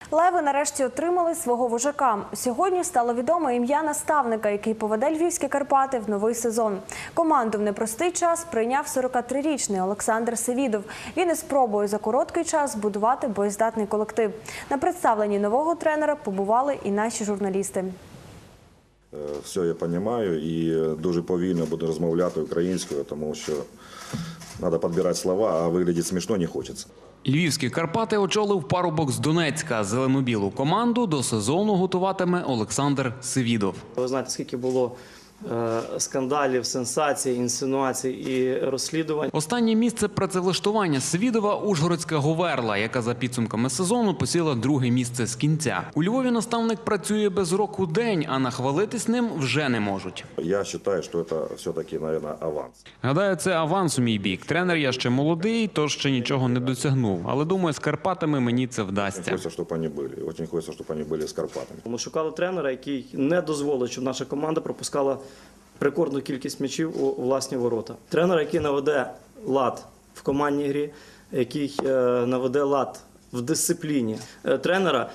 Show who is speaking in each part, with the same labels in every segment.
Speaker 1: Леви нарешті отримали свого вожака. Сьогодні стало відомо ім'я наставника, який поведе львівські Карпати в новий сезон. Команду в непростий час прийняв 43-річний Олександр Севідов. Він із спробою за короткий час збудувати боєздатний колектив. На представленні нового тренера побували і наші журналісти.
Speaker 2: Все я розумію і дуже повільно буду розмовляти українською, тому що треба підбирати слова, а виглядати смішно не хочеться.
Speaker 3: Львівські Карпати очолив парубок з Донецька. Зелену-білу команду до сезону готуватиме Олександр Севідов.
Speaker 4: Ви знаєте, скільки було скандалів, сенсацій, інсинуацій і розслідувань.
Speaker 3: Останнє місце працевлаштування Севідова – Ужгородська Говерла, яка за підсумками сезону посіла друге місце з кінця. У Львові наставник працює без року день, а нахвалитись ним вже не можуть.
Speaker 2: Я вважаю, що це все-таки, мабуть, аванс.
Speaker 3: Гадаю, це аванс у мій бік. Тренер я ще молодий, тож ще нічого не досягнув. Але думаю, з Карпатами мені це вдасться.
Speaker 2: Хочеться, щоб вони були. Дуже хочеться, щоб вони були з Карпатами.
Speaker 4: Ми шукали тренера, який не дозволить, щоб наша команда пропускала рекордну кількість м'ячів у власні ворота. Тренер, який наведе лад в командній грі, який наведе лад в дисципліні. Тренера,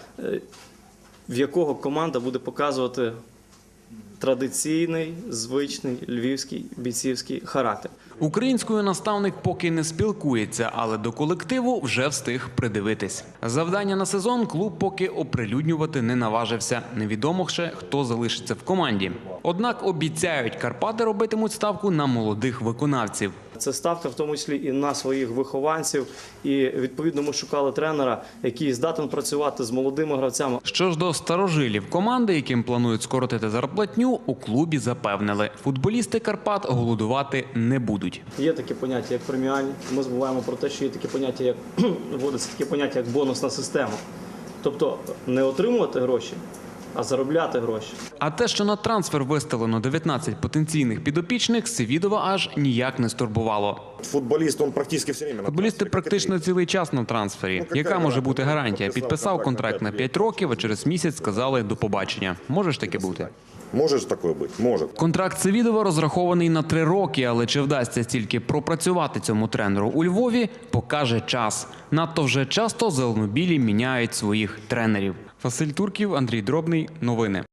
Speaker 4: в якого команда буде показувати традиційний, звичний львівський бійцівський характер.
Speaker 3: Українською наставник поки не спілкується, але до колективу вже встиг придивитись. Завдання на сезон клуб поки оприлюднювати не наважився. Невідомо ще, хто залишиться в команді. Однак обіцяють, Карпати робитимуть ставку на молодих виконавців.
Speaker 4: Це ставка в тому числі і на своїх вихованців. І відповідно ми шукали тренера, який здатен працювати з молодими гравцями.
Speaker 3: Що ж до старожилів команди, яким планують скоротити зарплатню, у клубі запевнили. Футболісти Карпат голодувати не будуть.
Speaker 4: Є таке поняття, як преміальні. Ми забуваємо про те, що є таке поняття, як вводиться таке поняття, як бонусна система. Тобто не отримувати гроші, а заробляти гроші.
Speaker 3: А те, що на трансфер виставлено 19 потенційних підопічних, Севідова аж ніяк не стурбувало.
Speaker 2: Футболіст, він практично все время на
Speaker 3: Футболісти
Speaker 2: трансфері.
Speaker 3: практично цілий час на трансфері. Яка може бути гарантія? Підписав контракт на 5 років, а через місяць сказали «до побачення». Може ж таке бути?
Speaker 2: Може ж таке бути? Може.
Speaker 3: Контракт Севідова розрахований на 3 роки, але чи вдасться стільки пропрацювати цьому тренеру у Львові, покаже час. Надто вже часто зеленобілі міняють своїх тренерів. Василь Турків, Андрій Дробний. Новини.